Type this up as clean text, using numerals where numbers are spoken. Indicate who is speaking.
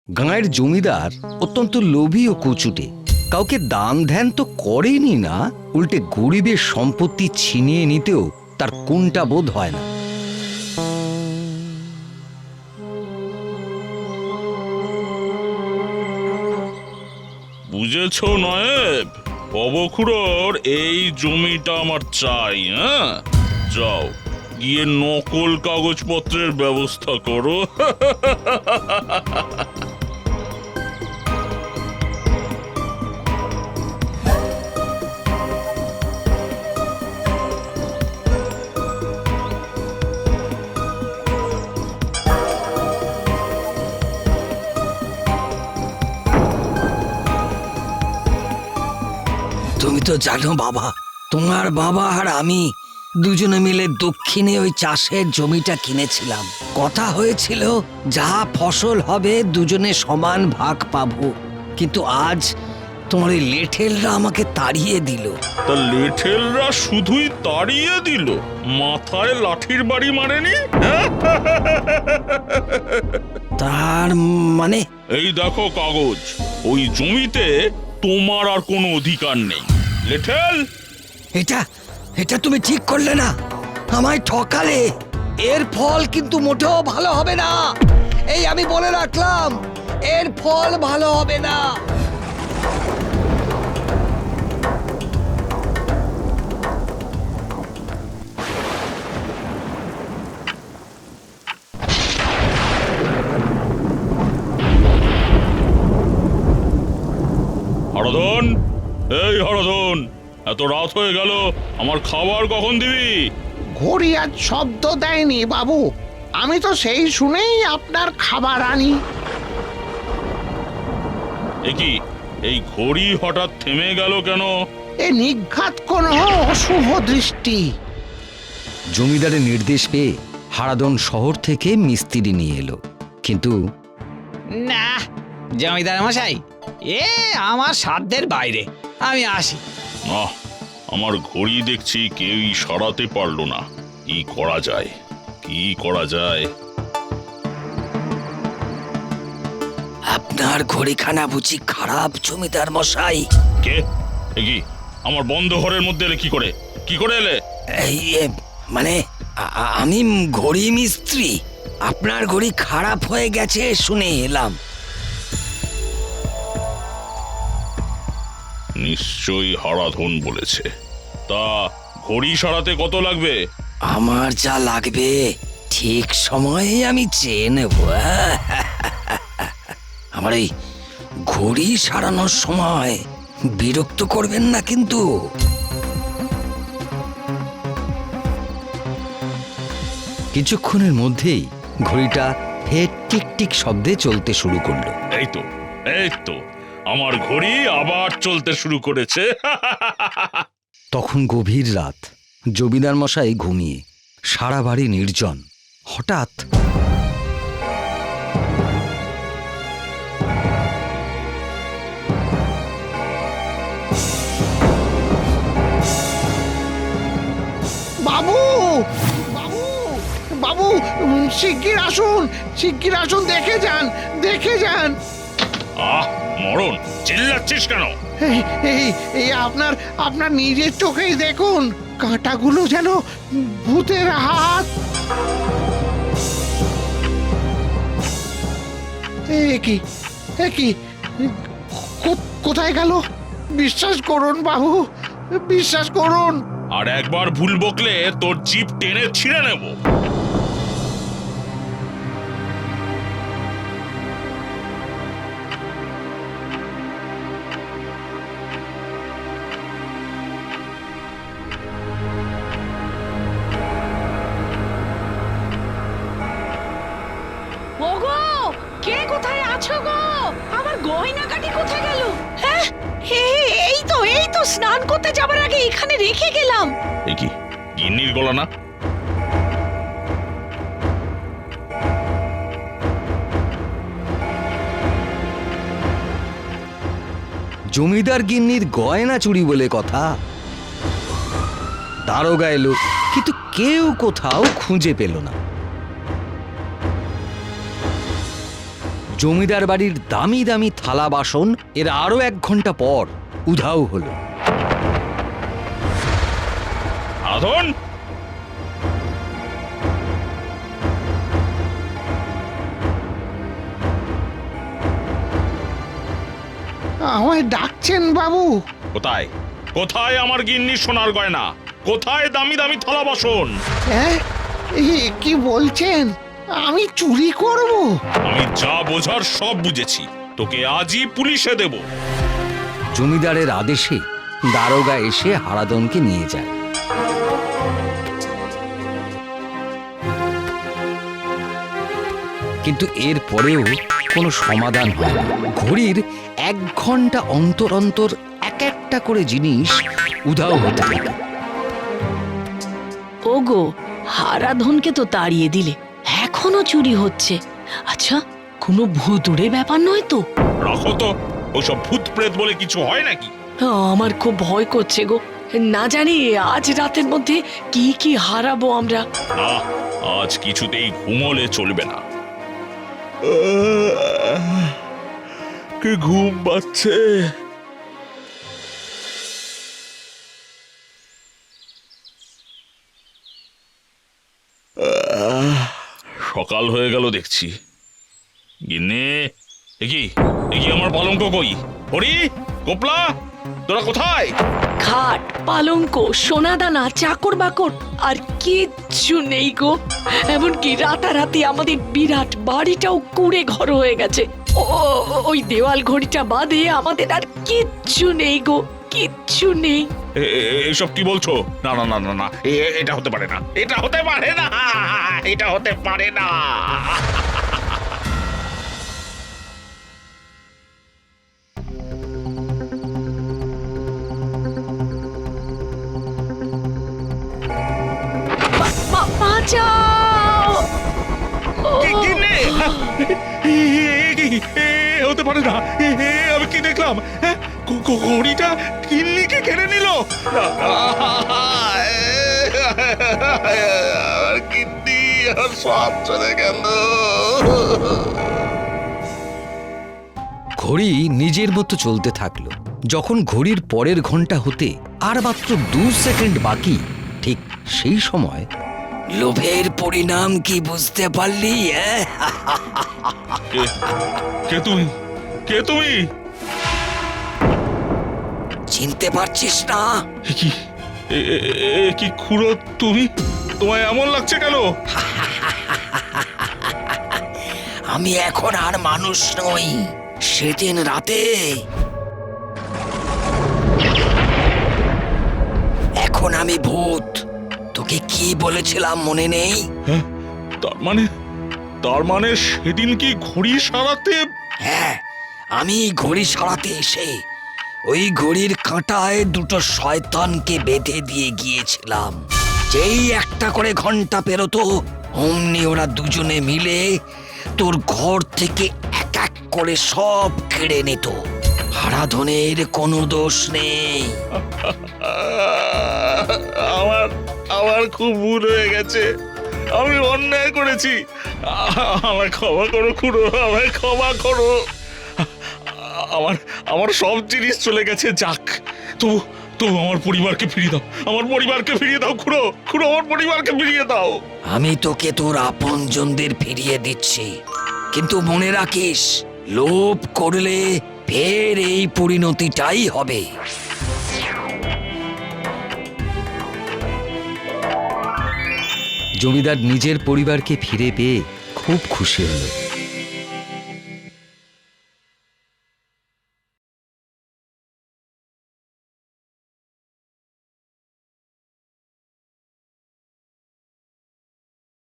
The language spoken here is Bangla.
Speaker 1: গাঁয়ের জমিদার অত্যন্ত লোভী ও কুচুটে। কাউকে দান ধ্যান তো করেনি না, উল্টে গরিবের সম্পত্তি ছিনিয়ে নিতেও তার কোনটা বোধ হয় না।
Speaker 2: বুঝেছ নায়েব, অবখুড়োর এই জমিটা আমার চাই। হ্যাঁ, যাও গিয়ে নকল কাগজপত্রের ব্যবস্থা করো।
Speaker 1: তুমি তো জানো বাবা, তোমার বাবা আর আমি দুজনে মিলে দক্ষিণে ওই চাষের জমিটা কিনেছিলাম। কথা হয়েছিল যা ফসল হবে দুজনে সমান ভাগ পাবো, কিন্তু আজ তোমার ওই লেঠেলরা আমাকে তাড়িয়ে দিল।
Speaker 2: তা লেঠেলরা শুধুই তাড়িয়ে দিল, মাথায় লাঠির বাড়ি মারেনি?
Speaker 1: তার মানে?
Speaker 2: এই দেখো কাগজ, ওই জমিতে তোমার আর কোনো অধিকার নেই। লেঠেল,
Speaker 1: এটা এটা তুমি ঠিক করলে না, আমায় ঠকালে। এর ফল কিন্তু মোটেও ভালো হবে না, এই আমি বলে রাখলাম, এর ফল ভালো হবে না।
Speaker 2: হরধন, এই হরধন, এত রাত হয়ে গেল, আমার খাবার কখন দিবি?
Speaker 3: ঘড়ি আজ শব্দ দেয়নি বাবু, আমি তো সেই শুনেই আপনার খাবার আনি।
Speaker 2: কি এই ঘড়ি হঠাৎ থেমে গেল কেন?
Speaker 3: এ নিঘাত কোনো অশুভ দৃষ্টি।
Speaker 1: জমিদারের নির্দেশ পেয়ে হারাদন শহর থেকে মিস্ত্রি নিয়ে এলো, কিন্তু
Speaker 4: না জমিদার মশাই, এ আমার সাধ্যের বাইরে, আমি আসি।
Speaker 2: না, আমার ঘড়ি দেখছি কেউই সরাতে পারলো না। কি করা যায়, কি করা যায়?
Speaker 1: আপনার ঘড়িখানা বুঝি খারাপ জমিদার মশাই?
Speaker 2: কে? কি আমার বন্ধ ঘরের মধ্যে এলে? কি করে এলে?
Speaker 1: এই মানে আমি ঘড়ি মিস্ত্রি, আপনার ঘড়ি খারাপ হয়ে গেছে শুনে এলাম।
Speaker 2: নিশ্চয়ই হারাধন বলেছে। তা ঘড়ি সরাতে কত লাগবে?
Speaker 1: আমার যা লাগবে ঠিক সময়ে আমি চেয়ে নেব। আমার এই ঘড়ি সারানোর সময় বিরক্ত করবেন না কিন্তু। কিছুক্ষণের মধ্যেই ঘড়িটা ফের টিক টিক শব্দে চলতে শুরু করলো।
Speaker 2: এই তো আমার ঘড়ি আবার চলতে শুরু করেছে।
Speaker 1: তখন গভীর রাত, জমিদার মশাই ঘুমিয়ে, সারা বাড়ি নির্জন। হঠাৎ
Speaker 3: বাবু, বাবু, বাবু, শিগগির আসুন, শিগগির আসুন, দেখে যান, দেখে যান।
Speaker 2: আহ মরণ, চিল্লাচ্ছিস কেন?
Speaker 3: এই এই এই আপনার আপনার নিজের চোখেই দেখুন, কাঁটাগুলো যেন ভূতের হাত। কি কোথায় গেল? বিশ্বাস করুন বাবু, বিশ্বাস করুন।
Speaker 2: আর একবার ভুল বকলে তোর জিভ টেনে ছিঁড়ে নেব।
Speaker 5: ওগো, কে কোথায় আছো গো? আমার গয়নাগাটি কোথায় গেল? হ্যাঁ, এই তো স্নান করতে যাবার আগে এখানে রেখে গেলাম।
Speaker 2: এ কি গিন্নির গলা না?
Speaker 1: জমিদার গিন্নির গয়না চুরি বলে কথা। দারোগা এলো, কিন্তু কেউ কোথাও খুঁজে পেল না। জমিদার বাড়ির দামি দামি থালা বাসন এর আরো 1 ঘন্টা পর উধাও হলো।
Speaker 2: হারাধন,
Speaker 3: আমায় ডাকছেন বাবু?
Speaker 2: কোথায় কোথায় আমার গিন্নি সোনার গয়না? কোথায় দামি দামি থালা বাসন?
Speaker 3: হ্যাঁ, কি বলছেন? আমি চুরি করব?
Speaker 2: আমি যা বোঝার সব বুঝেছি, তোকে আজই পুলিশে দেব।
Speaker 1: জমিদারের আদেশে দারোগা এসে হারাধনকে নিয়ে যায়। কিন্তু এর পরেও কোনো সমাধান হয় না। ঘড়ির 1 ঘন্টা অন্তর অন্তর এক একটা করে জিনিস উধাও হতে থাকে।
Speaker 5: ওগো, হারাধনকে তো তাড়িয়ে দিলে, এখনো চুরি হচ্ছে। আচ্ছা, কোনো ভুতুড়ে ব্যাপার নয় তো?
Speaker 2: রাখো তো, ওসব ভূত প্রেত বলে কিছু হয় নাকি?
Speaker 5: আমার খুব ভয় করছে গো। না জানি আজ রাতের মধ্যে কি কি হারাবো আমরা।
Speaker 2: না, আজ কিছুতেই ঘুমোলে চলবে না। কি ঘুম পাচ্ছে। সকাল হয়ে গেল দেখছি। গিন্নি, একি একি আমার পালঙ্ক কই? হরি, গোপলা, তোরা কোথায়?
Speaker 5: খাট, পালঙ্ক, সোনাদানা, চাকর বাকর আর কিচ্ছু নেই গো। এমনকি রাতারাতি আমাদের বিরাট বাড়িটাও কুড়ে ঘর হয়ে গেছে। ওই দেওয়াল ঘড়িটা বাদে আমাদের আর কিচ্ছু নেই গো, কিচ্ছু নেই।
Speaker 2: এসব কি বলছো? না না না না না, এটা হতে পারে না, এটা হতে পারে না, এটা হতে পারে না।
Speaker 5: বাঁচাও!
Speaker 2: গিন্নি, হতে পারে না। আমি কি দেখলাম? ঘড়িটা গিন্নিকে কেড়ে নিল। গিন্নি আর সব চলে গেল।
Speaker 1: ঘড়ি নিজের মতো চলতে থাকলো। যখন ঘড়ির পরের ঘন্টা হতে আর মাত্র 2 সেকেন্ড বাকি, ঠিক সেই সময় লোভের পরিণাম কি বুঝতে পারলি?
Speaker 2: কে তুমি? কে তুমি?
Speaker 1: চিনতে পারছিস না?
Speaker 2: কি কি খুড়ো তুমি? তোমায় এমন লাগছে কেন?
Speaker 1: আমি এখন আর মানুষ নই। সেদিন রাতে এখন আমি ভূত। তোকে কি বলেছিলাম মনে নেই?
Speaker 2: তার মানে সেদিন কি ঘড়ি সারাতে?
Speaker 1: হ্যাঁ, আমি ঘড়ি সারাতে এসে ওই ঘড়ির কাঁটায় 2টো শয়তানকে বেঁধে দিয়ে গিয়েছিলাম। যেই একটা করে ঘন্টা পেরোতো, অমনি ওরা দুজনে মিলে তোর ঘর থেকে এক এক করে সব কেড়ে নিত। হারাধনের কোনো দোষ নেই।
Speaker 2: আমার খুব ভুল হয়ে গেছে। আমি অন্যায় করেছি। আমায় ক্ষমা করো খুড়ো, আমায় ক্ষমা করো। আমার সব জিনিস চলে গেছে, যাক। তবু আমার পরিবারকে ফিরিয়ে দাও, আমার পরিবারকে ফিরিয়ে দাও খুড়ো, খুড়ো আমার পরিবারকে ফিরিয়ে দাও।
Speaker 1: আমি তোকে তোর আপনজনদের ফিরিয়ে দিচ্ছি, কিন্তু মনে রাখিস, লোভ করলে ফের এই পরিণতিটাই হবে। জমিদার নিজের পরিবারকে ফিরে পেয়ে খুব খুশি হলো।